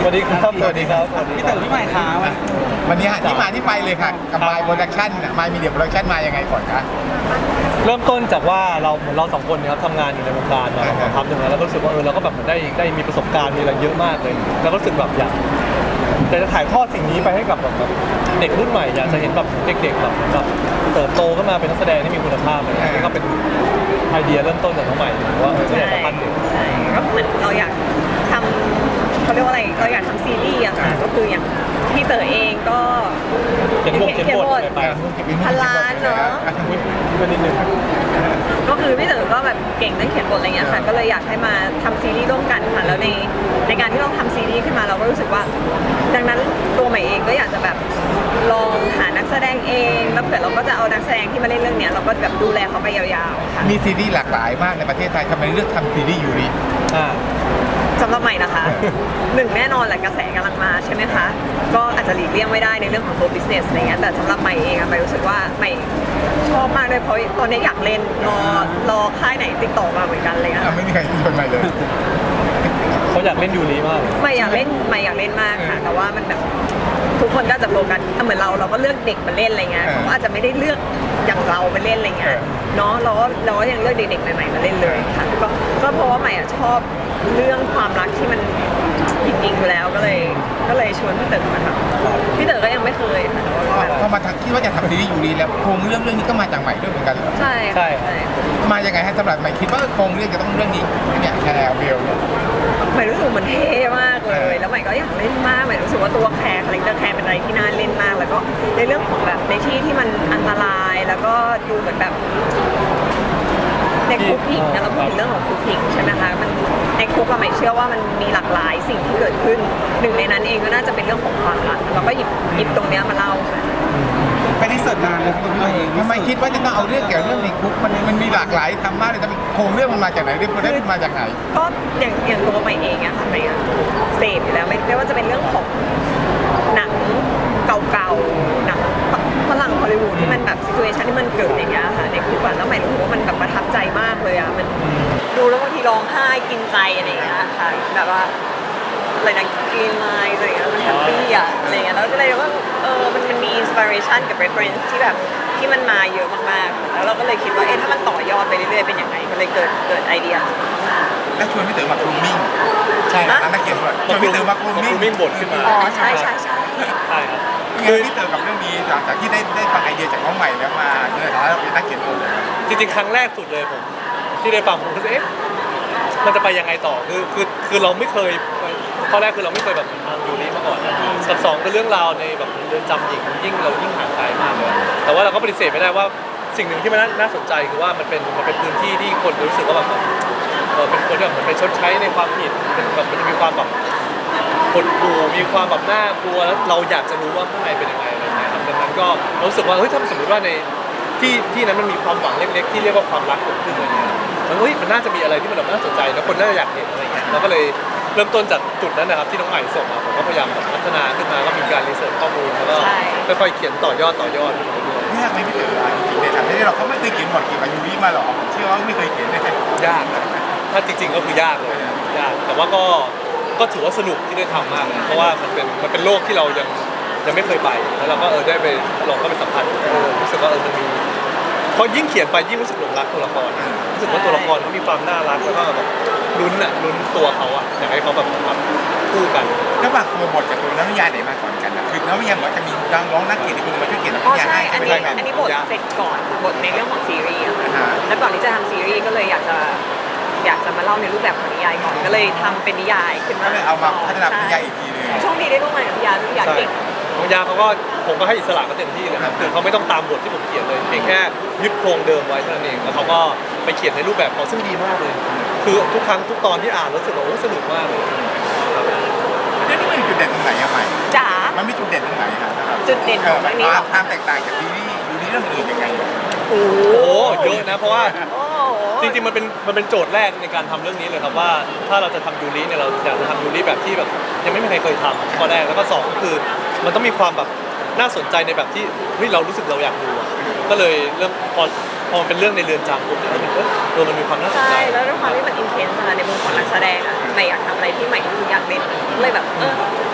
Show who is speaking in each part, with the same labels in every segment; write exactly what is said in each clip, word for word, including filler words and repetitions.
Speaker 1: วัสดีครับสวัสดีครับสวัสดี
Speaker 2: พี่
Speaker 1: ครั
Speaker 2: เต๋
Speaker 1: บ
Speaker 2: อพี่ใหม่ครับ
Speaker 3: วันนี้ที่มาที่ไปเลยค่ะกับมายโปรดักชั่นมายมีเดียโปรดักชั่นมายังไงก่อนคะ
Speaker 1: เริ่มต้นจากว่าเราเหมือนเราสองคนเนะครับทำงานอยู่ในวงการมาสักพักหนึ่งแล้วแล้วก็รู้สึกว่าเออเราก็แบบเหมือนได้ได้มีประสบการณ์มีอะไรเยอะมากเลย แล้วก็รู้สึกแบบอยากแต่จะถ่ายทอดสิ่งนี้ไปให้กับแบบแบบเด็กรุ่นใหม่อยากจะเห็นแบบเด็กๆแบบแบบเติบโตขึ้นมาเป็นนักแสดงที่มีคุณภาพเลยนี่ก็เป็นไอเดียเริ่มต้นจากน้องใหม่ว่าเออก็อยากจะปั้นเด็ก
Speaker 4: ใช่ก็เหมือนเราอยากทำเขาเรียกว่าอะไรเราอยากทำซีรีส์อะค่ะก็คืออย่างพี่เต๋อเองก็
Speaker 1: เขียนบทเขียนบทอะไรไป
Speaker 4: พันล้านเนาะ
Speaker 1: อุ๊ยนิดนึง
Speaker 4: ก็คือพี่เต๋อก็แบบเก่งเรื่องเขียนบทอะไรเงี้ยค่ะก็เลยอยากให้มาทำซีรีส์ร่วมกันค่ะแล้วในในการที่เราทำซีรีส์ขึ้นมาเราก็รู้สึกว่า ดังนั้นตัวใหม่เองก็อยากจะแบบลองหานักแสดงเองแล้วเผื่อเราก็จะเอานักแสดงที่มาเล่นเรื่องเนี้ยเราก็แบบดูแลเขาไปยาวๆค่ะ
Speaker 3: มีซีรีส์หลากหลายมากในประเทศไทยทำไมเลือกทำซีรีส์ยูริ
Speaker 1: อ่า
Speaker 4: สำหรับใหม่นะคะ หนึ่งแน่นอนแหละกระแสกำลังมาใช่ไหมคะ ก็อาจจะหลีกเลี่ยงไม่ได้ในเรื่องของตัว business อะไรเงี้ยแต่สำหรับใหม่เองอะใหม่รู้สึกว่าใหม่ชอบมากเลยเพราะตอนนี้อยากเล่นรอรอค่ายไหนติดต่อมาเหมือนกันเลยอะ
Speaker 3: อ่ะไม่มีใครชวนมาเลย
Speaker 1: เขาอยากเล่นยูรีมากเลย
Speaker 4: ใหม่อยากเล่นใหม่อยากเล่นมากค่ะ แต่ว่ามันแบบทุกคนก็จะโฟกัสเหมือนเราเราก็เลือกเด็กมาเล่นอะไรเงี้ยเขาก็อาจจะไม่ได้เลือกอย่างเรามาเล่นอะไรเงี้ยเนาะเราก็เราก็ยังเลือกเด็กๆใหม่ๆมาเล่นเลยค่ะก็ก็เพราะว่าใหม่อะชอบเรื่องความรักที่มันจริงๆอยู่แล้วก็เลยก็เลยชวนพี่เต๋อมาทำพี่เต๋อก็ยังไม่เคยค่ะแต่ว่าก็แบบ
Speaker 3: พอมาทำคิดว่าจะทำซีรีส์ยูริแล้วโครงเรื่องเรื่องนี้ก็มาจากใหม่ด้วยเหมือนกันเหรอ
Speaker 4: ใช่
Speaker 1: ใช่
Speaker 4: ค่ะ
Speaker 3: มายังไงฮะสำหรับใหม่คิดว่าโครงเรื่องจะต้องเรื่องนี้เนี่ยแคร์เบลเนี่ย
Speaker 4: ใหม่รู้สึกเหมือนเท่มากเล
Speaker 3: เอย อ
Speaker 4: แล้วใหม่ก็อยากเล่นมากใหม่รู้สึกว่าตัวแคร์คาแรคเตอร์แคร์เป็นอะไรที่น่าเล่นมาก แล้วก็ในเรื่องของแบบในที่ที่มันอันตรายแล้วก็ดูเหมือนแบบในคุกผิงนะเราพูดถึงเรื่องของคุกผิงใช่ไหมคะมันในคุกเราไม่เชื่อว่ามันมีหลากหลายสิ่งที่เกิดขึ้นหนึ่งในนั้นเองก็น่าจะเป็นเรื่องของความรักเราก็หยิบหยิบตรงเนี้ยมาเล่าค่ะ
Speaker 2: ไปที่เสิร์ชนานเลยพี่ใหม่เอง
Speaker 3: ทำไมคิดว่าจะต้องเอาเรื่องเกี่ยวกับเรื่องในคุกมันมันมีหลากหลายทำมากเลยแต่โครงเรื่องมันมาจากไหนเรื่องได้มาจากไหน
Speaker 4: ก็อย่างอย่างตัวใหม่เองอะค่ะใหม่อะเสพอยู่แล้วไม่ไม่ว่าจะเป็นเรื่องของหนังเก่าๆหนังฝรั่งฮอลลีวูดที่มันแบบซิทูเอชันที่มันเกิดอย่างเงี้ยค่ะในคุกอะแล้วใหม่รู้สึกว่ามันแบบประทับใจมากเลยอะมันดูแล้วบางทีร้องไห้กินใจอะไรอย่างเงี้ยค่ะแบบว่าอะไรนะกรีนไลน์อะไรอย่างเงี้ยมันแฮปปี้อะอะไรอย่างเงี้ยแล้วก็เลยว่าเออมันมันมีอินสปิเรชันกับ reference ที่แบบที่มันมาเยอะมากๆแล้วเราก็เลยคิดว่าเอ๊ะถ้ามันต่อยอดไปเรื่อยๆเป็นยังไงก็เลยเกิดเกิดไอเดีย
Speaker 3: แล้วชวนพี่เต๋อมาครูมิ่ง
Speaker 1: ใช่
Speaker 3: อันนั้นเก็บไว้ชวนพี่เต๋อมาครูมิ่ง
Speaker 1: มิ่งบทขึ้นมา
Speaker 4: อ๋อใช่ใช่ใช่
Speaker 1: ใช่ครับ
Speaker 3: คือพี่เต๋อกับเรื่องนี้หลังจากที่ได้ได้ฟังไอเดียจากน้องใหม่แล้วมาในฐานะเราเป็นนักเขียนบท
Speaker 1: จริงๆครั้งแรกสุดเลยผมที่ได้ฟังผมก็รู้สึกเอ๊ะมันจะไปยังไงต่อคือคือคือเราไม่เคยข้อแรกคือเราไม่เคยแบบทำยูริมาก่อนกับสองคือเรื่องราวในแบบเรือนจำหญิงยิ่งเรายิ่งห่างไกลมากเลยแต่ว่าเราก็ปฏิเสธไม่ได้ว่าสิ่งหนึ่งที่มันน่าสนใจคือว่ามันเป็นมันเป็นพื้นที่ที่คนรู้สึกว่าแบบเออเป็นคนที่แบบเหมือนไปชดใช้ในความผิดเป็นแบบมันจะมีความแบบหดหู่มีความแบบน่ากลัวแล้วเราอยากจะรู้ว่าข้างในเป็นยังไงอะไรเงี้ยครับดังนั้นก็รู้สึกว่าเฮ้ยถ้าสมมติว่าในที่ที่นั้นมันมีความหวังเล็กๆที่เรียกว่าความรักเกิดขึ้นอะไรเงี้ยมันเฮ้ยมันน่าจะมีอะไรที่มันแบบน่าสนใจแล้วคนน่าจะอยากเห็นอะไรเงี้ยเราก็เลยเริ่มต้นจากจุดนั้นนะครับที่น้องใหม่ส่งมาผมก็พยายามแบบพัฒนาขึ้นมาก็มีการรีเสิร์ชข้อมูลแล้วก็ค่อยๆเขียนต่อยอดต่อยอด
Speaker 3: ยากไหมพี่เต๋อจริงๆในทางที่เราเขาไม่เคยเขียนบทเกี่ยวกับยูริมาหรอกเชื่อว่าไม่เคยเขียนเลย
Speaker 1: ยากนะถ้าจริงๆก็คือยากเลยยากแต่ว่าก็ก็ถือว่าสนุกที่ได้ทำมากเลยเพราะว่ามันเป็นมันเป็นโลกที่เรายังยังไม่เคยไปแล้วเราก็เออได้ไปลองเข้าไปสัมผัสเออรู้สึกว่าเออมันมีพอยิ่งเขียนไปยิ่งรู้สึกหลงรักตัวละครรู้สึกว่าตัวละครเขามีความน่ารักแล้วก็แบบลุ้นอ่ะลุ้นตัวเขาอ่ะอยากให้เขาแบบแบบคู่กัน
Speaker 3: ระหว่างตัวบทกับตัวนวนิยายไหนมาก่อนกันนะคือนวนิยายเหมือนจะมีน้องร้องนักเขียนที่คุณมาช่วยเขียนนว
Speaker 4: อ๋อ
Speaker 3: นิยาย
Speaker 4: ใช่
Speaker 3: ให้
Speaker 4: อัน
Speaker 3: ไม่
Speaker 4: นี้
Speaker 3: ใช่ไหม
Speaker 4: อันนี้บทเสร็จก่อนบทในเรื่องของซีรีส์อะค่ะแล้วก่อนที่จะทำซีรีส์ก็เลยอยากจะอยากจะมาเล่าในรูปแบบของนิยายก่อนก็เลยทำเป็นนิยายขึ้น
Speaker 3: ก็
Speaker 4: มา
Speaker 3: เลยเอามาพัฒนาเป็นนิยายอีกทีนึง
Speaker 4: โชคดีได้ร่วมงานกับนิยายนิยายเก่ง
Speaker 1: น้องยาเขาก็ผมก็ให้อิสระเขาเต็มที่เลยครับคือเขาไม่ต้องตามบทที่ผมเขียนเลยเพียงแค่ยึดโครงเดิมไว้เท่านั้นเองแล้วเขาก็ไปเขียนในรูปแบบเขาซึ่งดีมากเลย คือทุกครั้งทุกตอนที่อ่านรู้สึกว่าโอ้สนุกมากเลย
Speaker 3: เรื่องนี้มันมีจุดเด่นตรงไหนอะใหม่
Speaker 4: จ๋า
Speaker 3: มันมีจุดเด่นตรงไหนครับ
Speaker 4: จุดเด่นของเรื่องนี้เหรอ
Speaker 3: ความแตกต่างจากซีรีส์ยูริเรื่องอื่นยังไง
Speaker 4: โอ้โห
Speaker 1: โอ้เยอะนะเพราะว่า
Speaker 4: โอ้โห
Speaker 1: จริงๆมันเป็นมันเป็นโจทย์แรกในการทำเรื่องนี้เลยครับว่าถ้าเราจะทำยูริเนี่ยเราอยากจะทำยูริแบบที่แบบยังไม่มีใครเคยทำข้อแรกแล้วก็สองก็คือมันต้องมีความแบบน่าสนใจในแบบที่เฮ้ยเรารู้สึกเราอยากดูอะก็เลยเริ่มพอพอมันเป็นเรื่องในเรือนจำปุ๊บเนี่ยมันเออเออมันมีความน่าสนใจ
Speaker 4: ใช่แล้วด้วยความที่มันอินเทนส์ในมุมของนักแสดงอะใหม่อยากทำอะไรที่ใหม่อยากเล่นเลยแบบเออ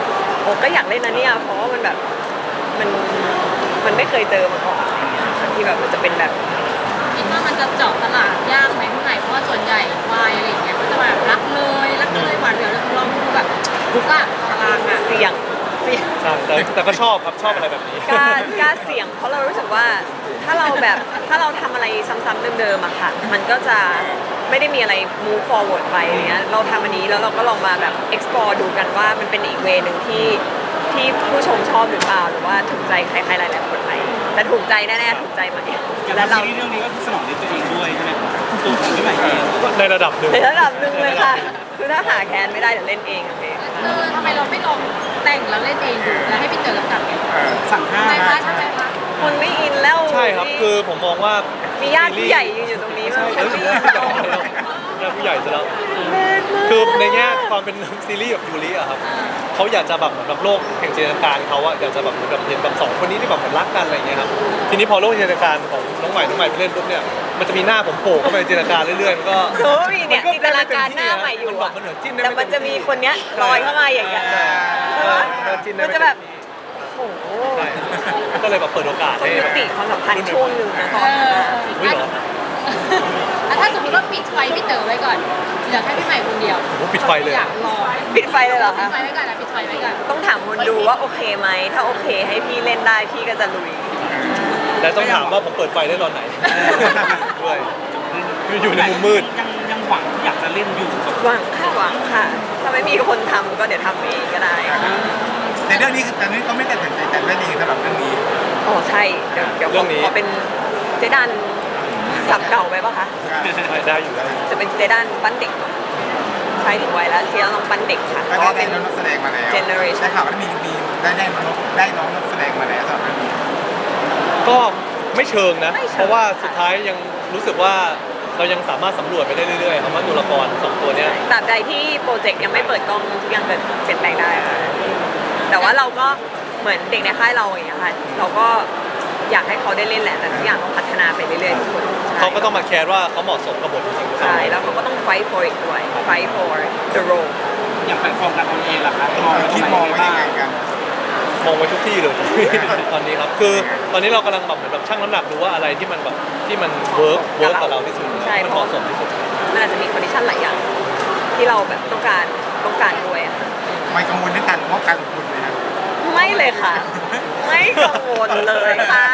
Speaker 4: ก็อยากเล่นนะเนี่ยเพราะว่ามันแบบมันมันไม่เคยเจอมาก่อนอะไรเงี้ยที่แบบมันจะเป็นแบบ
Speaker 5: คิดว่ามันจะเจาะตลาดยากไหมพี่ใหม่เพราะว่าส่วนใหญ่วายอะไรอย่างเงี้ยก็จะแบบรักเลยรักเลยหวานเหวียวเลยเราดูแบบทุกอะตารางอะ
Speaker 4: เสี่ยงเสี่ยง
Speaker 1: ใช่แต่แต่ก็ชอบครับชอบอะไรแบบนี้
Speaker 4: กล้ากล้าเสี่ยงเพราะเรารู้สึกว่าถ้าเราแบบถ้าเราทำอะไรซ้ำๆเดิมๆอะค่ะมันก็จะไม่ได้มีอะไร move forward ไปอย่างเงี้ยเราทำอันนี้แล้วเราก็ลองมาแบบ explore ดูกันว่ามันเป็นอีกเวนึงที่ที่ผู้ชมชอบหรือเปล่าหรือว่าถูกใจใครๆหลายๆคนไหมแต่ถูกใจแน่ๆถูกใจไหม
Speaker 2: อย่าง
Speaker 4: แล้วเรา
Speaker 2: ซีรีส์เรื่องนี้ก็สนองในตัวเองด้วยใช่ไหมตัวของพี่ใหม่เอง
Speaker 1: ในระดับหนึ่ง
Speaker 4: ในระดับหนึ่งเลยค่ะคือถ้าหาแคนไม่ได้เดี๋ยวเล่นเองโอเค
Speaker 5: เออทำไมเราไม่ลองแต่งแล้วเล่นเองดูแล้วให้พี่เต๋อกำกับไง
Speaker 3: เออ
Speaker 2: สั่งห้า
Speaker 5: ทำไมคะทำไมคะ
Speaker 4: คนไม่อินแล้ว
Speaker 1: ใช่ครับคือผมมองว่า
Speaker 4: มีญาติผู้ใหญ่ยืนอยู่ตรงนี้
Speaker 1: ใช่
Speaker 4: มั้ง
Speaker 1: เออญาติผู้ใหญ่ซะแล้วคือในแง่ความเป็นซีรีส์แบบยูริอะครับเขาอยากจะแบบเหมือนแบบโลกแห่งจินตนาการเขาอะอยากจะแบบเหมือนแบบเห็นแบบสองคนนี้ที่แบบเหมือนรักกันอะไรอย่างเงี้ยครับทีนี้พอโลกจินตนาการของน้องใหม่น้องใหม่ไปเล่นปุ๊บเนี่ยมันจะมีหน้าผมโผล่เข้าไปในจินตนาการเรื่อยๆมันก็
Speaker 4: โซมีเนี่ยจินตนาการหน้าใหม่อยู่
Speaker 1: มันแบ
Speaker 4: อะ
Speaker 1: บมันเหมือนจิ้นได้
Speaker 4: แต่มันจะมีคนเนี้ยลอยเข้ามาอย่างเงี้ย
Speaker 1: เออเออจิ้นได้
Speaker 4: มันจะแบบโอ้โห
Speaker 1: ใช่ก็เลยแบบเปิดโอกาส
Speaker 4: ต้อง
Speaker 1: ให้
Speaker 4: ยุติความสัมพันธ์ช่วงหนึ่งนะตอนนั้นอะ
Speaker 1: อุ้ยเหรอ
Speaker 5: แล้วถ้าสมมติว่าปิดไฟพี่เต๋อไว้ก่อนเหลือแค่พี่ใหม่คนเดียว
Speaker 1: โอ้โหปิดไฟเลย
Speaker 5: อยากลอง
Speaker 4: ปิดไฟเลยเหรอ
Speaker 5: ปิด
Speaker 4: คะ
Speaker 5: ไฟไว้ก่อนนะปิดไฟไว้ก่อน
Speaker 4: ต้องถามคนดูว่าโอเคไหมถ้าโอเคให้พี่เล่นได้พี่ก็จะลุย
Speaker 1: แต่ต้องถามว่าผมเปิดไฟได้ตอนไหนด้วยอยู่ในมุมมืด
Speaker 2: ยังยังหวังอยากจะเล่นอยู่กับ
Speaker 4: หวังค่ะหวังค่ะ ถ้าไม่มีคนทำก็เดี๋ยวทำเองก็ได้
Speaker 3: ในเรื่องนี้คือตอนนี้เขาไม่ตัดสินใจแต่เรื่องนี้สำหรับเรื่องนี้
Speaker 4: โอ้ใช่ เดี๋ยวเดี๋ยว
Speaker 1: เรื่องนี้
Speaker 4: ขอเป็นเจดันสับเก่าไปปะคะ
Speaker 1: ไม่ได้อยู่ได้อยู่
Speaker 4: จะเป็นเจดันปั้นเด็กใช่ถึงวัยแล้วที่เราต้องปั้นเด็กค่ะ
Speaker 3: ก็
Speaker 4: เพราะว่า
Speaker 3: ได้
Speaker 4: เป็น
Speaker 3: น้องนักแสดงมาแล้ว
Speaker 4: generation
Speaker 3: ได้ข่าวว่ามีมีได้ได้น้องได้น้องนักแสดงมาแล้วสำหรับเรื่องนี้
Speaker 1: ก็ไม่เชิงนะ
Speaker 4: ไม่เชิง
Speaker 1: เพราะว่าสุดท้ายยังรู้สึกว่าเรายังสามารถสำรวจไปได้เรื่อยๆครับว่าตัวละครสองตัวเนี้ย
Speaker 4: ตราบใดที่โปรเจกต์ยังไม่เปิดกล้องทุกอย่างเกิดเปลี่ยนแปลงได้ค่ะแต่ว่าเราก็เหมือนเด็กในค่ายเราอย่างเงี้ยค่ะเราก็อยากให้เขาได้เล่นแหละแต่ทุกอย่างต้องพัฒนาไปเรื่อยๆทุกคนใช่
Speaker 1: เขาก็ต้องมาแคร์ว่าเขาเหมาะสมกับบทจริงๆหรือเปล่า
Speaker 4: ใช่แล้วเขาก็ต้อง fight for it ด้วย fight for the role
Speaker 2: อย่างแพลตฟอร์มการทำเองล่ะครับมอง
Speaker 3: คิดมองไว้ยังไงกัน
Speaker 1: มองไว้ทุกที่เลย ตอนนี้ครับคือตอนนี้เรากำลังแบบเหมือนแบบชั่งน้ำหนักดูว่าอะไรที่มันแบบที่มันเวิร์กเวิร์กกับเราที่สุด
Speaker 4: ใช่
Speaker 1: มันเหมาะสมที่สุด
Speaker 4: มันอาจจะมีคอนดิชันหลายอย่างที่เราแบบต้องการต้องการด้วยอะค่ะ
Speaker 3: ไม่กังวลในการงบการลงทุนเลยนะ
Speaker 4: ไม่เลยค่ะ ไม่กังวลเลยค่ะ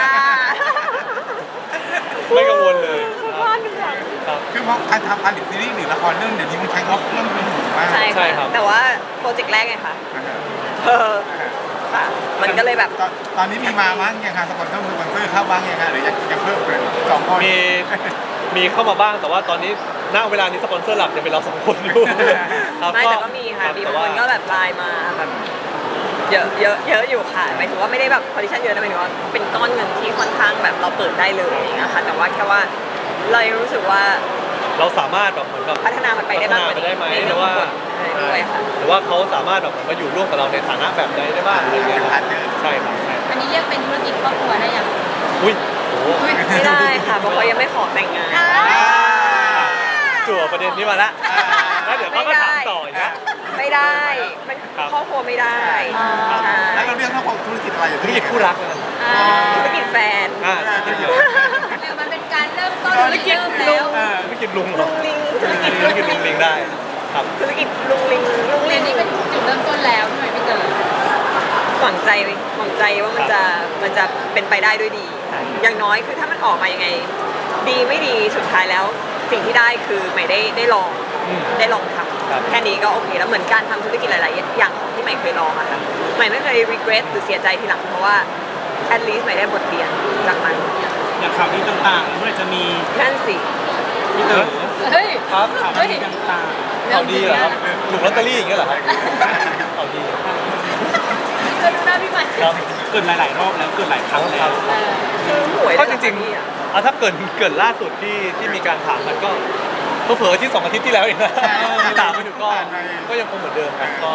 Speaker 1: ไม่กังวลเลย
Speaker 4: คุณพ่อหนึ่งหลัง
Speaker 1: ครับ
Speaker 3: คือเพราะการทำผลิตซีรีส์หรือละครเรื่องเดี๋ยวนี้มันใช้งบเรื่องเป็นหูมาก
Speaker 4: ใช่
Speaker 1: ใช่
Speaker 4: ค่ะ
Speaker 1: ครับ
Speaker 4: แต่ว่าโปรเจกต์แรกไงคะเออค่ะ มันก็เลยแบบ
Speaker 3: ตอนตอนนี้มีมาบ้างยังคะสปอนเซอร์สปอนเซอร์เข้าบ้างยังคะหรือยังยังเพิ่มเลยสองคน
Speaker 1: มีมีเข้ามาบ้างแต่ว่าตอนนี้ณเวลานี้สปอนเซอร์หลักจะเป็นเราสองคนอยู่ครับ
Speaker 4: ไม่แต่ก็มีค่ะ
Speaker 1: รับ
Speaker 4: มี
Speaker 1: แต่
Speaker 4: บาง
Speaker 1: ว่า
Speaker 4: คนก็แบบไลน์มาแบบเยอะเยอะเยอะอยู่ค่ะหมายถึงว่าไม่ได้แบบคอนดิชันเยอะนะหมายถึงว่าเป็นก้อนเงินที่ค่อนข้างแบบเราเปิดได้เลยอย่างเงี้ยค่ะแต่ว่าแค่ว่าเรายังรู้สึกว่า
Speaker 1: เราสามารถแบบเหมือนแบบ
Speaker 4: พัฒนามันไปได้มากกว่า
Speaker 1: พัฒนาไปได้ไหม
Speaker 4: นี้ใน
Speaker 1: ห
Speaker 4: เรื่
Speaker 1: รือ อง
Speaker 4: ขอ
Speaker 1: ว่า
Speaker 4: งบทด้วยค่ะ
Speaker 1: หรือว่าเขาสามารถแบบมาอยู่ร่วมกับเราในฐานะแบบใดได้บ้างอะไรเงี้ยครับใช่ครับใช่
Speaker 5: อันนี้เรียกเป็นธุรกิจครอบครัวได้ยัง
Speaker 1: อุ้ยโอ้โห
Speaker 4: ไม่ได้ค่ะเพราะเขายังไม่ขอแต่งงาน
Speaker 1: จั่วประเด็นนี้มาละแล้วเดี๋ยวเขาก็ถามต่ออีกนะ
Speaker 4: ไม่ได้มัน
Speaker 1: ครับ
Speaker 4: ครอบครัวไม่ได้ใช่
Speaker 3: แล้วเราเรียกทั้งหมดธุรกิจอะไรอยู่
Speaker 1: ธุรกิจคู่รักนะ
Speaker 5: อ่า
Speaker 4: ธุรกิจแฟน
Speaker 1: อ่าธุรกิจเดียว
Speaker 5: หรือมันเป็นการเริ่มต้น
Speaker 4: ธุรกิจ
Speaker 5: เริ่ม
Speaker 4: ลุ
Speaker 5: แล้ว
Speaker 4: ง
Speaker 1: ธุรกิจลุงเหร
Speaker 4: ลุ
Speaker 1: อง
Speaker 4: ลิงธุรกิจ
Speaker 1: ธุรกิจลุงลิงได้ครับ
Speaker 4: ธุรกิจลุงลิงลุง
Speaker 5: เรี
Speaker 4: ลิ
Speaker 5: ยน
Speaker 4: ง
Speaker 5: นี้เป็นจุดเริ่มต้นแล้วใช่ไหมพี่เต๋อ
Speaker 4: หวังใจหวังใจว่ามันจะมันจะเป็นไปได้ด้วยดีค่ะอย่างน้อยคือถ้ามันออกมายังไง ดีไม่ดีสุดท้ายแล้ว สิ่งที่ได้คือใหม่ได้ได้ลอง
Speaker 1: อืม
Speaker 4: ได้ลองท
Speaker 1: ครับ
Speaker 4: ำแค่นี้ก็โอเคแล้วเหมือนการทำธุรกิจหลาย ๆ อย่างของที่ใหม่เคยลองอะค่ะใหม่ไม่เคย regret หรือเสียใจทีหลังเพราะว่า at least ใหม่ได้บทเรียนจากมัน
Speaker 2: อย่างข่าวดีต่างๆเมื่อจะมี
Speaker 4: นั่นสิ
Speaker 2: พี่เต๋อ
Speaker 5: เฮ้ย
Speaker 1: ครับ
Speaker 2: ข่าว
Speaker 5: เฮ้ย
Speaker 2: ดีต่าง
Speaker 1: ข่าวดีเหรอครับถูกลอตเตอรี่อย่างเงี้ยเหรอครับข่าวดี
Speaker 5: ก็ดูหน้าพี่ใหม่
Speaker 1: ครับ
Speaker 2: ๆเกิดหลายๆรอบแล้วเกิดหลายครั้งแล้ว
Speaker 5: เออ
Speaker 4: ซื้อหวย
Speaker 1: ก็
Speaker 4: ได้
Speaker 1: จริง
Speaker 4: เหอคะพี่อะ
Speaker 1: ๆอ่ะถ้าเกิดเกิดล่าสุดที่ที่มีการถามกันก็เผลอๆที่สองอาทิตย์ที่แล้วเองนะที่ถามไปถึงก็ก็ยังคงเหมือนเดิมครับก็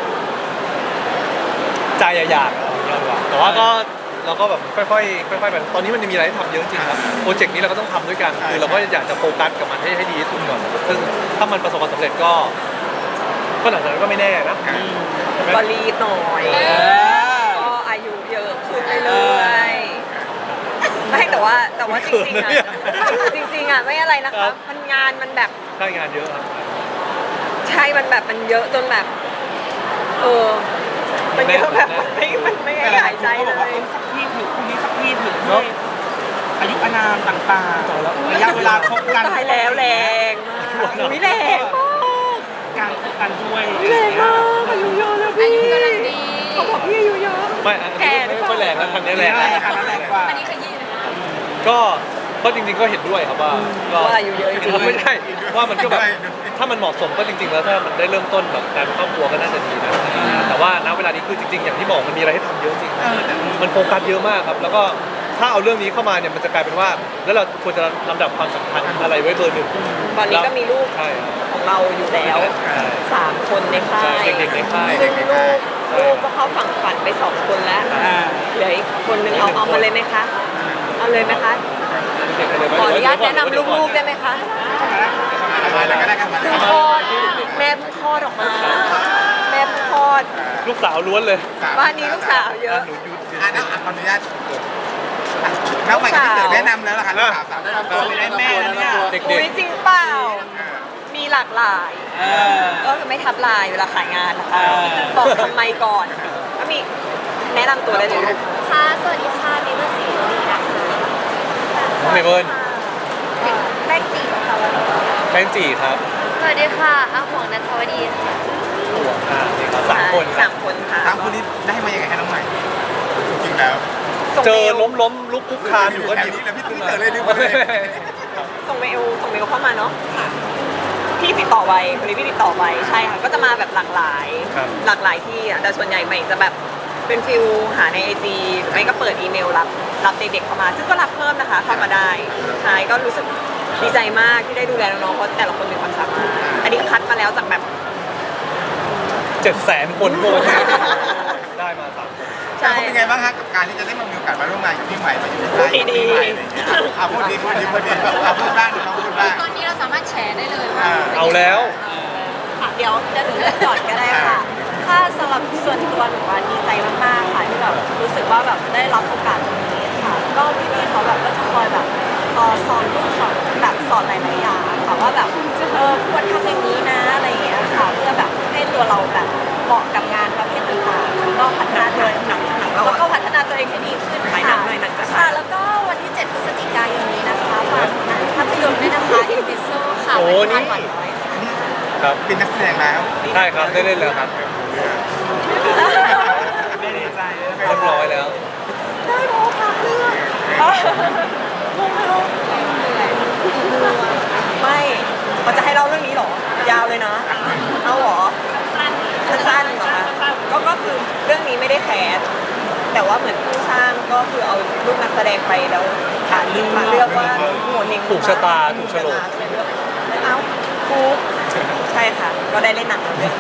Speaker 1: ใจอยากๆเอาอย่างเงี้ยดีกว่าแต่ว่าก็เราก็แบบค่อยๆค่อยๆไปตอนนี้มันมีอะไรให้ทำเยอะจริงครับโปรเจกต์นี้เราก็ต้องทำด้วยกันคือเราก็อยากจะโฟกัสกับมันให้ให้ดีที่สุดก่อนซึ่งถ้ามันประสบความสำเร็จก็ก็หลังจากนั้นก็ไม่แน่นะใช่ไหม
Speaker 4: ก็รีบหน่อย
Speaker 2: เออ
Speaker 4: ก็อายุเยอะขึ้นเรื่อยๆไม่แต่ว่าแต่ว่าจริงๆอ่ะจริงๆอ่ะไม่อะไรนะคะมันงานมันแบบ
Speaker 1: ใช่งานเยอะครับ
Speaker 4: ใช่มันแบบมันเยอะจนแบบ เออ มันเยอะแบบไม่มันไม่ให้หายใจ
Speaker 2: เขา
Speaker 4: เล
Speaker 2: บอกว่าย เออสักที่ถึงคนนี้สักที่ถึง
Speaker 1: เนอะ
Speaker 2: อายุอานามต่างๆระยะเวลาคบกัน
Speaker 4: ตายแล้วแรงมากอุ้ยแรงมาก
Speaker 2: การคบกันด้วย
Speaker 4: แรงมากอายุเยอะแล้ว
Speaker 5: อา
Speaker 4: พี่
Speaker 5: ยุกำลังดี
Speaker 4: เขาบอกพี่อายุเยอะ
Speaker 1: ไม่อันนี้
Speaker 4: แก่หรื
Speaker 1: ไม่
Speaker 4: อเปล่า
Speaker 1: ค่อยแรงนะทางนี้แรง
Speaker 2: แรงอันนั้นแรงกว่า
Speaker 5: อันนี้ขยี้นะ
Speaker 1: ก็ก็จริงๆก็เห็นด้วยครับว่าก็
Speaker 4: ว่าอายุเยอะจริงๆ
Speaker 1: ไม่ใช่ว่ามันก็แบบถ้ามันเหมาะสมก็จริง ๆ แล้วถ้ามันได้เริ่มต้นแบบการเป็นครอบครัวก็น่าจะดีนะแต่ว่าณเวลานี้คือจริง ๆ อย่างที่บอกมันมีอะไรให้ทำเยอะจริง
Speaker 2: เออแต่
Speaker 1: มันโฟกัสเยอะมากครับ แล้วก็ถ้าเอาเรื่องนี้เข้ามาเนี่ยมันจะกลายเป็นว่า แล้วเราควรจะลำดับความสำคัญอะไรไว้เบอร์หนึ่ง
Speaker 4: ตอนนี้ก็มีลูก
Speaker 1: ใช่ครับ
Speaker 4: ของเราอยู่แล้วสามคนในค่า
Speaker 1: ใช่
Speaker 4: ย
Speaker 1: เด็กๆในค่าย
Speaker 4: ซึ่งลูกลูกก็เข้าฝั่งฝันไปสองคนแล้ว
Speaker 2: อ่า
Speaker 4: เหลืออีกคนนึงเอาเอามาเลยไหมคะ เอาเลยไหมคะ
Speaker 1: เด็กๆเลย
Speaker 4: ขออนุญาตแนะนำลูกๆได้ไหมคะ
Speaker 3: มาแล้วก็ได้กันมา
Speaker 4: เพิ่ง
Speaker 3: แล้ว
Speaker 4: คลอดแม่เพิ่งคลอดออกมา แม่เพิ่งคลอด
Speaker 1: ลูกสาวล้วนเลย
Speaker 4: บ้านนี้ลูกสาวเยอะ
Speaker 1: หนูอยู่
Speaker 3: อ่ะนะขออนุญาตน้องใหม่ก็เกิดแนะนำแล้วล่ะค่ะลูกสาวสาวแนะนำตัว
Speaker 2: สวยได้แม่แล้วเนี่ย
Speaker 1: เด็ก
Speaker 4: อุ้ยจริงเปล่า มีหลากหลาย
Speaker 2: เออ
Speaker 4: ก็คือไม่ทับลายเวลาขายงานนะคะ
Speaker 2: เออ
Speaker 4: บอกทำไมก่อน ก็มีแนะนำตัวได้เลยลูก
Speaker 6: ค่ะ สวัสดีค่ะมิเบอร์สีดีนะคะ
Speaker 1: ๆน้องเมเบิล
Speaker 6: แป้งจีค่ะวันนี้
Speaker 1: แป้งจีครับ
Speaker 6: สวัสดีค่ะอาหวงนัทวดีค่ะ
Speaker 1: อ่านี่ครับสามคน
Speaker 4: สามคนค่ะ
Speaker 3: สามคนนี้ได้มายังไงคะน้องใหม่จริงๆแล้ว
Speaker 4: ส่ง
Speaker 1: เจ
Speaker 4: เม
Speaker 1: อ
Speaker 4: ล
Speaker 1: ล้มล้มลุกคุกคานอยู่ก็
Speaker 3: แถ
Speaker 1: ห
Speaker 3: ว
Speaker 1: ยิบ
Speaker 3: นี้เลยพี่พี่เต๋อเลยลืมไปเลย
Speaker 4: ส่งเมลส่งเมลเข้ามาเนาะพี่ติดต่อไว้คนนี้พี่ติดต่อไว้ใช่ค่ะก็จะมาแบบหลากหลาย
Speaker 1: ครับ
Speaker 4: หลากหลายที่อ่ะแต่ส่วนใหญ่ใหม่จะแบบเป็นฟิลหาในไอจีไม่ก็เปิดอีเมลรับรับเด็กๆเข้ามา ซึ่งก็รับเพิ่มนะคะเข้ามาได้ใช่ก็รู้สึกดีใจมากที่ได้ดูแลน้องๆเพราะแต่ละคนมีความสามารถอันนี้คัดมาแล้วจากแบบ
Speaker 1: เจ็ดแสนคนโกงได้มาสามคน
Speaker 4: ใช่
Speaker 3: เขาเป็นไงบ้างฮะกับการที่จะได้มามีโอกาสมาร่วมงานกับพี่ใหม่มาอยู่ในค่าย
Speaker 4: ดีๆ
Speaker 3: พี่ใหม่อะไรอย่างเงี้ยเอาพูดดีพูดดีพูดดีเอาพูดบ้างน้องพูดบ้าง
Speaker 5: ตอนนี้เราสามารถแชร์ได้เลยว่า
Speaker 3: อ่า
Speaker 1: เอาแล้ว
Speaker 6: ค่ะเดี๋ยวจะถึงเรื่องก่อนก็ได้ค่ะ ถ้าสำหรับส่วนตัวหนูว่าดีใจมากๆค่ะที่แบบรู้สึกว่าแบบได้รับโอกาสตรงนี้ค่ะ ก็พี่ๆเขาแบบก็จะคอยแบบเอ่อสอนลูกสอนแบบสอนหลายๆอย่างค่ะว่าแบบเออควรทำอย่างนี้นะอะไรอย่างเงี้ยค่ะเพื่อแบบให้ตัวเราแบบเหมาะกับงานประเภทต่างๆแล้วก็พัฒนาตัวเอง
Speaker 4: หนังหนังเรา
Speaker 6: แล้ว
Speaker 4: อะ
Speaker 6: ก็พัฒนาตัวเองให้ดีขึ้น
Speaker 4: หลายหนังหลายหนังจะค่ะ
Speaker 6: ค่ะ แล้วก็วันที่ เจ็ด พฤศจิกายนนี้นะคะฝากหนังภาพยนตร์ด้วยนะคะ อินดิโซค่ะ
Speaker 1: โอ้
Speaker 6: วัน
Speaker 1: นี่
Speaker 6: ที่ผ่านน้อยค่ะ
Speaker 1: ครับ
Speaker 3: เป็นนักแสดงแล้ว
Speaker 1: ใช่ครับได้เล่นแล้วครับ
Speaker 2: ไม่ดีใจเลย
Speaker 1: เรียบร้อยแล้ว
Speaker 4: ได้โมค่ะเรื่องไม่เราจะให้เล่าเรื่องนี้เหรอ ยาวเลยนะ เอาเหรอ สั้นๆเหรอคะก็ก็คือเรื่องนี้ไม่ได้แคสแต่ว่าเหมือนผู้สร้างก็คือเอารูปนักแสดงไปแล้วอ่านมาเลือกว่าโหนเอง
Speaker 1: ถูกชะตาถูกโฉลก
Speaker 4: เลือกเอ้าฟุกใช่ค่ะ ก็ได้เล่นหนังเรื่องนี้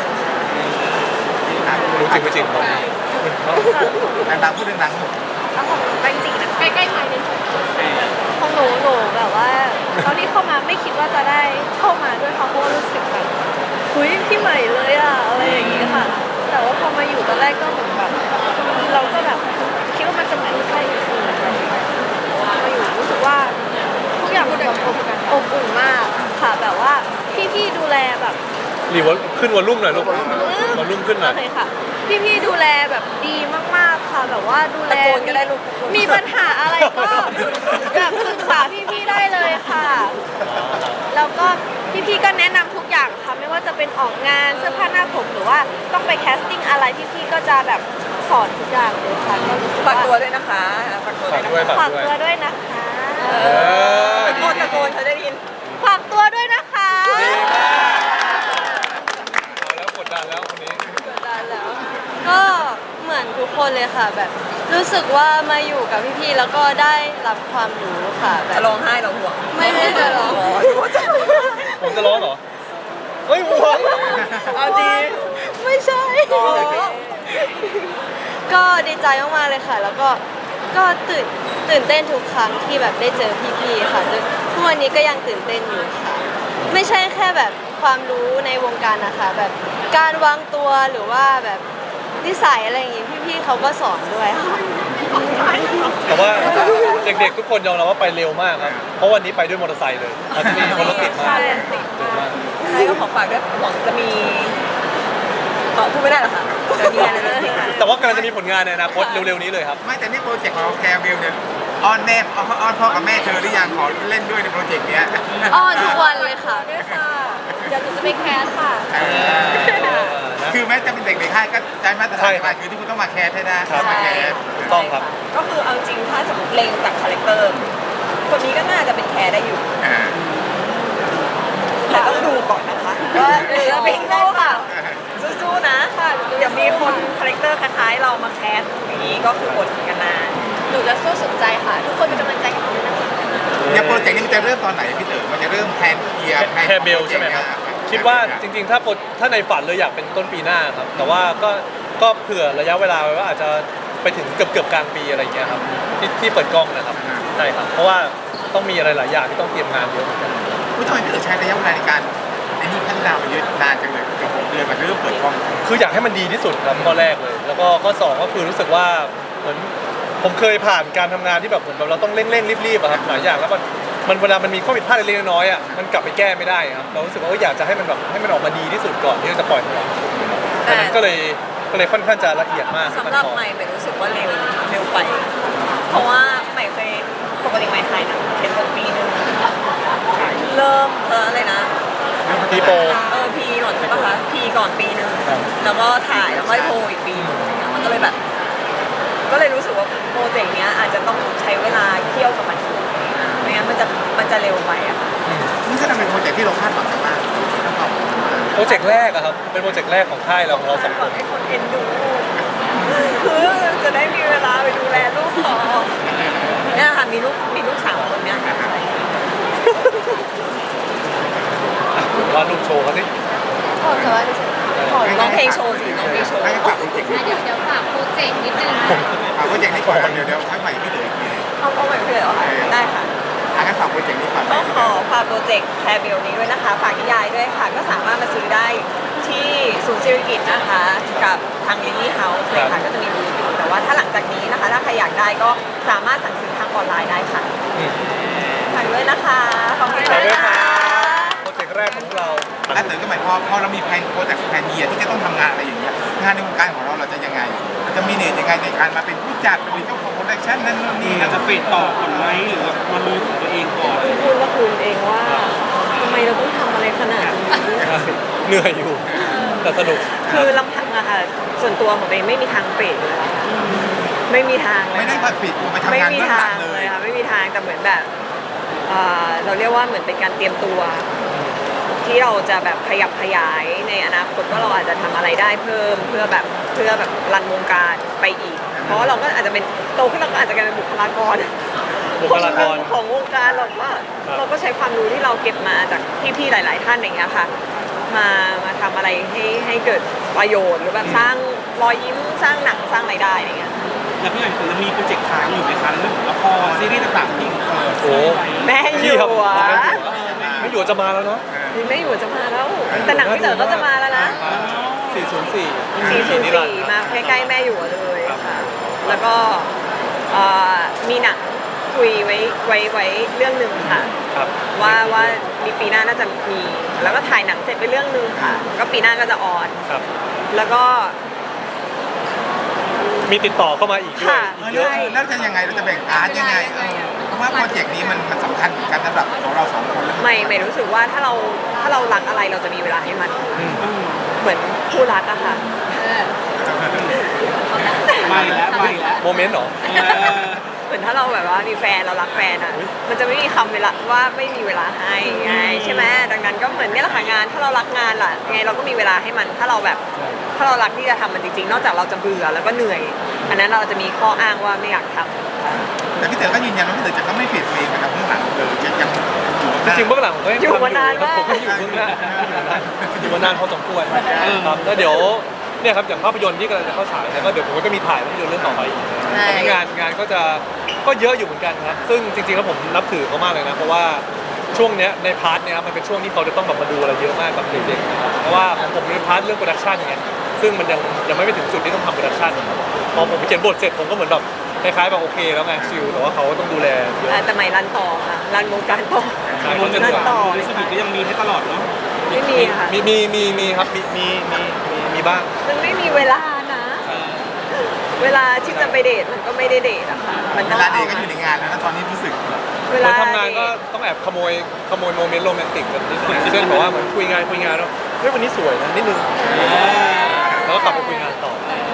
Speaker 1: รู้จริงไม่จริงผม
Speaker 3: ดังๆพูดดัง
Speaker 6: แล้วของแป้งจีนะคะ
Speaker 5: ใกล้ๆไมค์นิดนึง
Speaker 6: ของหนูหนูแบบว่าตอนที่เข้ามาไม่คิดว่าจะได้เข้ามาด้วยค่ะเพราะว่ารู้สึกแบบคุยพี่ใหม่เลยอะอะไรอย่างงี้ค่ะ แต่ว่าพอมาอยู่ตอนแรกก็เหมือนแบบเราก็แบบคิดว่ามันจะเหมือนใครอื่นๆอะไรอย่างเงี้ยมาอยู่รู้สึกว่าทุกอย่างมันแบบอบอบอุ่นมากค่ะแบบว่าพี่ๆดูแลแบบ
Speaker 1: รีวอลขึ้นวอลลุ่มหน่อยลูกวอลลุ่มขึ้นหน่อย
Speaker 6: โอเคค่ะ พี่ๆดูแลแบบดีมากๆค่ะ แบบว่าดูแล
Speaker 4: ตะโกนก็ได้ลูก
Speaker 6: มีปัญหาอะไรก็แบบปรึกษาพี่ๆได้เลยค่ะ แล้วก็พี่ๆก็แนะนำทุกอย่างค่ะ ไม่ว่าจะเป็นออกงานเสื้อผ้าหน้าผมหรือว่าต้องไปแคสติ้งอะไรพี่ๆก็จะแบบสอนทุกอย่างเลยค่ะก็รู้สึก
Speaker 4: ฝาก
Speaker 6: ว่า
Speaker 4: ตัวด้วยนะคะฝากตัวด้วย
Speaker 1: ฝาก
Speaker 4: นะคะ
Speaker 1: ด้วย
Speaker 6: ฝากตัวด้วยนะคะ
Speaker 1: เออ
Speaker 4: ตะโกนตะโกนเขาจะได้ยิน
Speaker 6: ฝากตัวด้วยนะคะ
Speaker 1: ดีมากเอาแล้วกดดันแล้วคนนี้
Speaker 6: ก็เหมือนทุกคนเลยค่ะแบบ รู้สึกว่ามาอยู่กับพี่ๆแล้วก็ได้รับความรู้ค่ะแบ
Speaker 4: จะ
Speaker 6: บ
Speaker 4: ร้องไห้เหราห่วง
Speaker 6: ไม่ไม่จะร้อง
Speaker 1: ผมจะร้องเหรอ เฮ้ยห่วง
Speaker 4: เอาจริง
Speaker 6: ไม่ใช่ ก็ดีใจมากๆเลยค่ะ แล้วก็ก็ตื่นตื่นเต้นทุกครั้งที่แบบได้เจอพี่ๆค่ะจนทุกวันนี้ก็ยังตื่นเต้นอยู่ค่ะ ไม่ใช่แค่แบบความรู้ในวงการนะคะ แบบการวางตัวหรือว่าแบบนิสัยอะไรอย่างงี้พี่ๆเขาก็สอนด้วยค่ะ
Speaker 1: แต่ว่าเด็กๆทุกคนยอมรับว่าไปเร็วมากครับ เพราะวันนี้ไปด้วยมอเตอร์ไซค์เลยมันจะมีคนรถติดมาก
Speaker 4: ใช่ติดมากใช่ก็ขอฝากด้วยหวังจะมีเออพูดไม่ได้หรอคะจะมีอะไรนะ
Speaker 1: แต่ว่ากำลังจะมีผลงานในอนาคตเร็วๆนี้เลยครับ
Speaker 3: ไม่แต่นี่โปรเจกต์ของเราแคร์เบลเนี่ยอ้อนแม่อ้อนอ้อนพ่อกับแม่เธอหรือยังขอเล่นด้วยในโปรเจกต์เนี้ย
Speaker 6: อ้อนทุกวันเลยค่ะ
Speaker 4: ด้วยค่ะ
Speaker 6: เดี๋ยวหนูจะไปแคสค่ะ
Speaker 3: เออคือแม้จะเป็นเด็กในค่ายก็ใช้มาตรฐานไปคือที่คุณต้องมาแคร์ให้ได้
Speaker 1: ครับ
Speaker 3: มาแคร์
Speaker 1: ต้องครับ
Speaker 4: ก็คือเอาจริงถ้าสมมติเลงจากคาแรคเตอร์คนนี้ก็น่าจะเป็นแคร์ได้อยู่
Speaker 3: อ่า
Speaker 4: แต่ต้องดูก่อนนะคะว่าเออเป็นได้เปล่าสู้ๆนะเดี๋ยวมีคนคาแรคเตอร์คล้ายๆเรามาแคสอย่างนี้ก็คือกดกันนาน
Speaker 6: หนูจะสู้สุดใจค่ะ ทุกคนเป็นกำลังใจให้หนูด้วยนะคะ
Speaker 3: เนี่ยโปรเจกต์นี้มันจะเริ่มตอนไหนพี่เต๋อมันจะเริ่มแพลนเคลียร์
Speaker 1: แคร์เบลใช่ไหมครับ คิดว่าจริงๆ ถ้าโปรถ้าในฝันเลยอยากเป็นต้นปีหน้าครับ แต่ว่าก็ก็เผื่อระยะเวลาไว้ว่าอาจจะไปถึงเกือบเกือบๆกลางปีอะไรอย่างเงี้ยครับที่ที่เปิดกล้องนะครับใช่ครับเพราะว่าต้องมีอะไรหลายอย่างที่ต้องเตรียมงานเยอะเหมือนกัน
Speaker 3: ผู้ทำไมพี่เต๋อใช้ระยะเวลาในการไอ้นี่พัฒนามาเยอะนานจังเลยเกือบหกเดือนมันจะเริ่มเปิดกล้อง
Speaker 1: คืออยากให้มันดีที่สุดครับข้อแรกเลย แล้วก็ข้อสองก็คือรู้สึกว่าเหมือนผมเคยผ่านการทำงานที่แบบเหมือนแบบเราต้องเร่งๆรีบๆอะครับหลายอย่างแล้วมันมันเวลามันมีข้อผิดพลาดเล็กๆน้อยๆอะมันกลับไปแก้ไม่ได้ครับเรารู้สึกว่าเอออยากจะให้มันแบบให้มันออกมาดีที่สุดก่อนที่เราจะปล่อยมันออกดังนั้นก็เลยก็เลยค่อนข้างจะละเอียดมาก
Speaker 4: สำหรับใหม่ใหม่รู้สึกว่าเร็วเร็วไป เพราะว่าใหม่เคยปกติใหม่ถ่ายหนังเป็นคนปีหนึงเริ่มเอออะไรนะ
Speaker 1: ทีโป
Speaker 4: เออพีก่อนใช่ปะคะพีก่อนปีหนึ่งแล้วก็ถ่ายแล้วก็โพลอีกปีหนึงมันก็เลยแบบ ก็เลยรู้สึกว่าโปรเจกต์เนี้ยอาจจะต้องใช้เวลาเคี่ยวกับมันไม่งั้นมันจะมันจะเร็วไปอะค่ะ
Speaker 3: นี่ก็เป็นโปรเจกต์ที่เราคาดหวังกันมากแล้วก็
Speaker 1: โปรเจกต์แรกอะครับเป็นโปรเจกต์แรกของค่ายเราของเราสอง
Speaker 4: ห
Speaker 1: ค
Speaker 4: วัง
Speaker 1: น
Speaker 4: ให้คนเอ็นดูคือจะได้มีเวลาไปดูแลลูกต่อเนี่ยค่ะมีลูกมีลูกสามคนเนี่ย
Speaker 1: วาดรูปโชว์เขาสิ
Speaker 6: ขอจะว่าดิฉันขอ
Speaker 4: ร้องเพลงโชว์สิร้องเพลงโชว์
Speaker 3: ให้ฝากโปรเจกต์นี้
Speaker 5: เดี๋ยวเดี๋ยวฝากโปรเจกต์นิดนึงนะ
Speaker 3: ฝากโปรเจกต์นี้ก่อนเดี๋ยวเดี๋ยวให้ใหม่พี่เต๋อ
Speaker 4: เอาเอาใหม่เลยเหรอคะได้ค่ะ
Speaker 3: อ่ะงั้นฝากโปรเจกต์นี้ก่อน
Speaker 4: ก็ขอฝากโปรเจกต์แคร์เบลนี้ด้วยนะคะ ฝากนิยายด้วยค่ะ ก็สามารถมาซื้อได้ที่ศูนย์ศิริกิติ์นะคะ กับทางลิลลี่เฮาส์เลยค่ะ ก็จะมีบูธอยู่แต่ว่าถ้าหลังจากนี้นะคะ ถ้าใครอยากได้ก็สามารถสั่งซื้อทางออนไลน์ได้ค่ะฝากด้วยนะคะ ขอบคุณ
Speaker 1: ฝากด้วย
Speaker 4: ค่ะ
Speaker 1: โปรเจกต์แรกของเรา
Speaker 3: แล้วเต๋อก็หมายความพอเรามีแผนโปรเจกต์แผนเยียที่จะต้องทำงานอะไรอย่างเงี้ยงานในวงการของเราเราจะยังไงจะมีเนตยังไงในการมาเป็นผู้จัดหรือเจ้าของโปรดักชั่นนั่นนู่นนี่
Speaker 2: อาจจะเฟดต่อก่อนไหมหรือว่ามาลุยของตัวเองก่อน
Speaker 4: พูดว่าคุณเองว่าทำไมเราต้องทำอะไรขนาดนี้
Speaker 1: เหนื่อยอยู่แต่สนุก
Speaker 4: คือลำพังอะค่ะ ส่วนตัวของเองไม่มีทางเปรตเลยค่ะไม่มีทางเลย
Speaker 3: ไม่ได้ผัดผิดไปทำ
Speaker 4: ไม่
Speaker 3: งาน
Speaker 4: มี
Speaker 3: เบื้องห
Speaker 4: ทา
Speaker 3: ลั
Speaker 4: ง
Speaker 3: งเล
Speaker 4: เลย ยค่ะไม่มีทางแต่เหมือนแบบเอ่อเราเรียกว่าเหมือนเป็นการเตรียมตัว ที่เราจะแบบขยับขยายในอนาคตว่าเราอาจจะทำอะไรได้เพิ่มเพื่อแบบเพื่อแบบรันวงการไปอีก เพราะว่าเราก็อาจจะเป็นโตขึ้นเราก็อาจจะกลายเป็นบุคลากร
Speaker 1: บุคลากร
Speaker 4: ของวงการเราก็เราก็ใช้ความรู้ที่เราเก็บมาจากพี่ๆหลาย ๆ ท่านอย่างเงี้ยค่ะ มามาทำอะไรให้ให้เกิดประโยชน์หรือแบบสร้างรอยยิ้มสร้างหนังสร้างรายได้อย่างเงี้ย
Speaker 2: แล้วพี่ใหม่คงจะมีโปรเจกต์ค้างอยู่ไหมคะเรื่องของละครซีรีส์ต่างๆที่เออ
Speaker 1: โอ้
Speaker 4: แม่อยู่
Speaker 1: พี่ครับ
Speaker 4: อะ
Speaker 1: ไม่อยู่จะมาแล้วเนาะ
Speaker 4: นี่ไม่อยู่จะมาแล้ว แต่หนังพี่เต๋อก็จะมาแล้วนะ
Speaker 1: สี่ศูนย์สี่
Speaker 4: สี่ศูนย์สี่มาใกล้ๆแม่อยู่เลยค่ะ แล้วก็เอ่อมีหนังคุยไว้ไว้ไว้เรื่องหนึ่งค่ะ
Speaker 1: ครับ
Speaker 4: ว่าว่ามีปีหน้าน่าจะมี แล้วก็ถ่ายหนังเสร็จไปเรื่องหนึ่งค่ะ ก็ปีหน้าก็จะออน
Speaker 1: ครับ
Speaker 4: แล้วก็
Speaker 1: มีติดต่อเข้ามาอีกด้วย
Speaker 4: ค่ะ
Speaker 1: อีกเยอะ
Speaker 3: แล้วจะยังไงเราจะแบ่งพาร์ทยังไงเออเพราะว่าโปรเจกต์นี้มันมันสำคัญเหมือนกันสำหรับของเราสองคนแล้ว
Speaker 4: ไม่ไม่รู้สึกว่าถ้าเราถ้าเรารักอะไรเราจะมีเวลาให้มัน เหมือนคู่รักอะค่ะ
Speaker 2: ไม่แล้วไม่แล้ว
Speaker 1: โมเมนต์เหรอ
Speaker 2: เออ
Speaker 4: เหมือนถ้าเราแบบว่ามีแฟนเรารักแฟนอะมันจะไม่มีคำเวลาว่าไม่มีเวลาให้ไงใช่ไหมดังนั้นก็เหมือนเนี่ยแหละค่ะงาน ถ้าเรารักงานล่ะไงเราก็มีเวลาให้มันถ้าเราแบบ ถ้าเรารักที่จะทำมันจริงๆ นอกจากเราจะเบื่อแล้วก็เหนื่อย อันนั้นเราจะมีข้ออ้างว่าไม่อยากทำ
Speaker 3: แต่พี่เต๋อก็ยืนยันว่าพี่เต๋อจะก็ไม่เปลี่ยนเพลงนะครับข้างหลังเลยจะยังอยู่
Speaker 1: จริงๆเบื้องหลังผมก็ยัง
Speaker 4: อยู่
Speaker 1: ทำ
Speaker 4: มานาน
Speaker 1: ครับ
Speaker 4: มาก
Speaker 1: ผมก็อยู่เบื้องหน้าอยู่มานานพอสมควรครับแล้วเดี๋ยวเนี่ยครับอย่างภาพยนตร์ที่กำลังจะเข้าฉายเนี่ยก็เดี๋ยวผมก็มีถ่ายภาพยนตร์เรื่องต่อไปอีก
Speaker 4: ใช่
Speaker 1: ตอนนี้งานงานก็จะก็เยอะอยู่เหมือนกันครับซึ่งจริงๆแล้วผมนับถือเขามากเลยนะเพราะว่าช่วงเนี้ยในพาร์ทเนี้ยมันเป็นช่วงที่เขาจะต้องแบบมาดูอะไรเยอะมากกับเด็กๆเพราะว่าของผมในพาร์ทเรื่องโปรดักชันอย่างเงี้ยซึ่งมันยังยังไม่ไปถึงจุดที่ต้องทำโปรดักชันพอผมไปเขียนบทเสร็จผมก็เหมือนแบบคล้ายๆแบบโอเคแล้วไงชิลแต่ว่าเขาก็ต้องดูแลเยอะ
Speaker 4: อ่าแต่ใหม่รันต่อค่ะรันวงการต่อ
Speaker 1: ใช่
Speaker 2: รวมถึง
Speaker 4: รันต่อ
Speaker 2: รู้สึกก็ยังมีให้ตลอดเนาะ
Speaker 4: ไม่มีค่ะ
Speaker 1: มีมีมีมีครับมีมีมีมีมีบ้าง
Speaker 4: มันไม่มีเวลานะ เวลาที่จะไปเดทมันก็ไม่ได้เดทอะค่ะมัน
Speaker 3: เว
Speaker 4: ต้อง
Speaker 3: ลาเด็
Speaker 4: เอา
Speaker 3: กก็อยู่ในงานแล้วนะตอนนี้รู้สึก
Speaker 4: เว
Speaker 1: ค
Speaker 4: ลาน
Speaker 1: ทำงานก็ต้องแอบขโมยขโมยโมเมนต์โรแมนติกแบบนิดหน่อยเช่นแบบว่าเหมือนคุยงานคุยงานแล้วเฮ้ยวันนี้สวยนะนิดนึงแล้วก็กลับไปคุยงานต่อ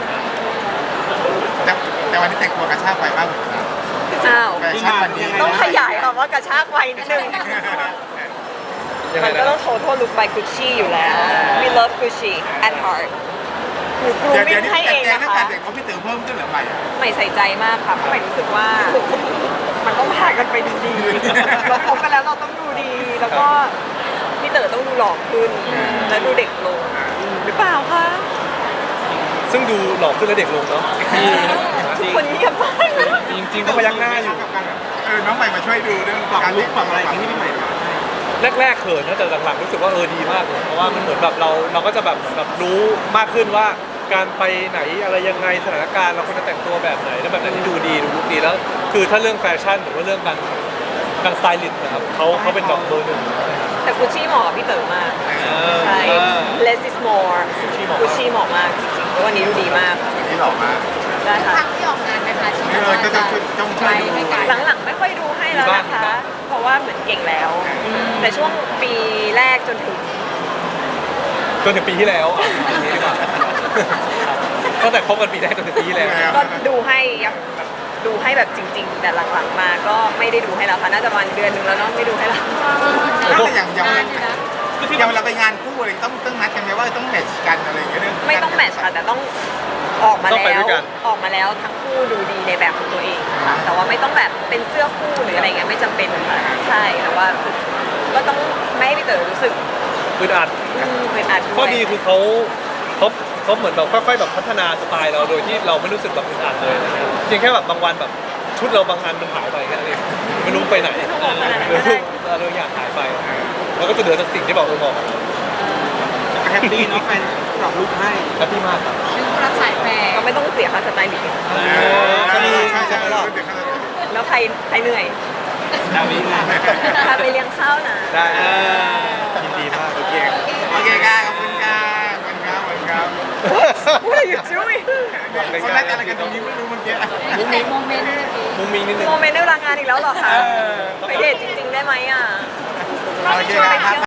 Speaker 3: แต่แต่วันนี้แต่งตัวกระชากไปบ้าง
Speaker 4: อ้าว
Speaker 3: แฟชั่นวันนี้
Speaker 4: ต้องขยายคำว่ากระชากไวนิดนึง
Speaker 1: ยังไง
Speaker 4: มันก็
Speaker 1: นะ
Speaker 4: ต้อง total look by Gucci อยู่แล้ว we love Gucci at heart หนูกรู
Speaker 3: เดี๋ยว
Speaker 4: มิ่
Speaker 3: เดี๋ยวนี้
Speaker 4: งให้
Speaker 3: แต่
Speaker 4: เอง
Speaker 3: แก
Speaker 4: นะ
Speaker 3: เรื่อง
Speaker 4: คะ
Speaker 3: การแต่งเขาพี่เต๋อเพิ่มขึ้นหรือไม่อะ
Speaker 4: ใหม่ใส่ใจมากค่ะเพราะใหม่รู้สึกว่า มันต้องพากันไปดูดี เราคบกันแล้วเราต้องดูดี แล้วก็พี่เต๋อต้องดูหล่อขึ้น และดูเด็กลง หรือเปล่าคะ
Speaker 1: ซึ่งดูหล่อขึ้นและเด็กลงเนาะ
Speaker 4: ทุกคนเงียบมากนะ
Speaker 1: จริงๆก็พยักหน้าอยู่
Speaker 3: กับการแบบเออน้องใหม่มาช่วยดูเรื่อง
Speaker 2: ปรับ
Speaker 3: การ
Speaker 2: ลุกปรับอะไรอย่างนี้ที่พี่ใหม่ทำให้
Speaker 1: แรกๆเขินนะแต่หลังๆรู้สึกว่าเออดีมากเลยเพราะว่ามันเหมือนแบบเราเราก็จะแบบแบบรู้มากขึ้นว่าการไปไหนอะไรยังไงสถานการณ์เราควรจะแต่งตัวแบบไหนแล้วแบบไหนที่ดูดีดูลุคดีแล้ว คือถ้าเรื่องแฟชั่นหรือว่าเรื่องการการสไตลิสต์นะครับเขาเขาเป็นดอกเบอร์หนึ่ง
Speaker 4: แต่กุชชี่เหมาะกับพี่เต๋อมาก ใช่ less is more กุชชี่เหมาะมากจริงๆแล้ววันนี้ดูดีมาก
Speaker 3: นี่หล่อมาก
Speaker 4: ได้ค่ะ
Speaker 5: ครั้งที่ออกงานนะคะที่
Speaker 3: เออก็ต้องต้องช่วยดู
Speaker 5: ให้กัน
Speaker 4: หลังๆไม่ค่อยดูให้แล้วนะคะ เพราะว่าเหมือนเก่งแล้ว แต่ช่วงปีแรกจนถึง
Speaker 1: จนถึงปีที่แล้วอ่ะปีนี้ดีกว่าตั้งแต่คบกันปีแรกจนถึงปีที่แล้ว
Speaker 4: ก็ดูให้ยังแบบดูให้แบบจริง ๆ แต่หลังๆมาก็ไม่ได้ดูให้แล้วค่ะน่าจะประมาณเดือนหนึงแล้วเนาะไม่ดูให้แล้ว
Speaker 3: แล้วแต่อย่างอย่าง
Speaker 5: นานอยู่นะ
Speaker 3: อย่างเวลาไปงานคู่อะไรต้องต้องนัดกันไหมว่าต้องแมทช์กันอะไรอย่างเงี้ยเรื่อง
Speaker 4: ไม่ต้องแมทช์ค่ะแต่ต้องออกมา
Speaker 1: ต้องไป
Speaker 4: แล้
Speaker 1: ด้
Speaker 4: ว
Speaker 1: วยกัน
Speaker 4: ออกมาแล้วทั้งคู่ดูดีในแบบของตัวเองค่ะแต่ว่าไม่ต้องแบบเป็นเสื้อคู่หรืออะไรเงี้ยไม่จำเป็นค่ะใช่แต่ว่าก็ต้องไม่ให้พี่เต๋อรู้สึก
Speaker 1: อึดอัด
Speaker 4: อืมเป็นอัดวย
Speaker 1: ข้อดีคือเขาเขาเขาเหมือนแบบค่อยๆแบบพัฒนาสไตล์เราโดยที่เราไม่รู้สึกแบบอึดอัดเลยอะไรเงี้ยเพียงแค่แบบบางวันแบบชุดเราบางอันมันหายไปแค่นั้นเองไม่รู้ไปไหนหรือเราอยากหายไป แล้วก็จะเหลือแต่สิ่งที่แบบเออบอก
Speaker 2: ก็แฮปปี้เนาะแฟนปรับลุกให้
Speaker 1: แฮปปี้มากครับ
Speaker 5: เป็นผู้รับสายแฟร์
Speaker 4: ก็ไม่ต้องเสียค่าสไตล์ลิสต์
Speaker 3: เออใช่ใช่ใช่เดี๋ยวเขาจะ
Speaker 4: แล้วใครใครเหนื่อย
Speaker 2: ดาวิน
Speaker 4: พาไปเลี้ยงข้าวนะ
Speaker 1: ได้ยินดีมาก
Speaker 3: โอเคโอเคค่ะขอบคุณค่ะขอบคุณครับขอบคุณครับ
Speaker 4: What are you doing
Speaker 3: คนนัดอะไรกันตรงนี้ไม่รู้เมื่อกี้
Speaker 5: มีแต่โมเมนต์เลยพี่
Speaker 1: มุ้งมิ้งนิดนึง
Speaker 4: โมเมนต์ในเวลางานอีกแล้วเหรอคะ ไปเดทจริง ๆ ได้ไหมอ่ะ
Speaker 3: โอเคครับ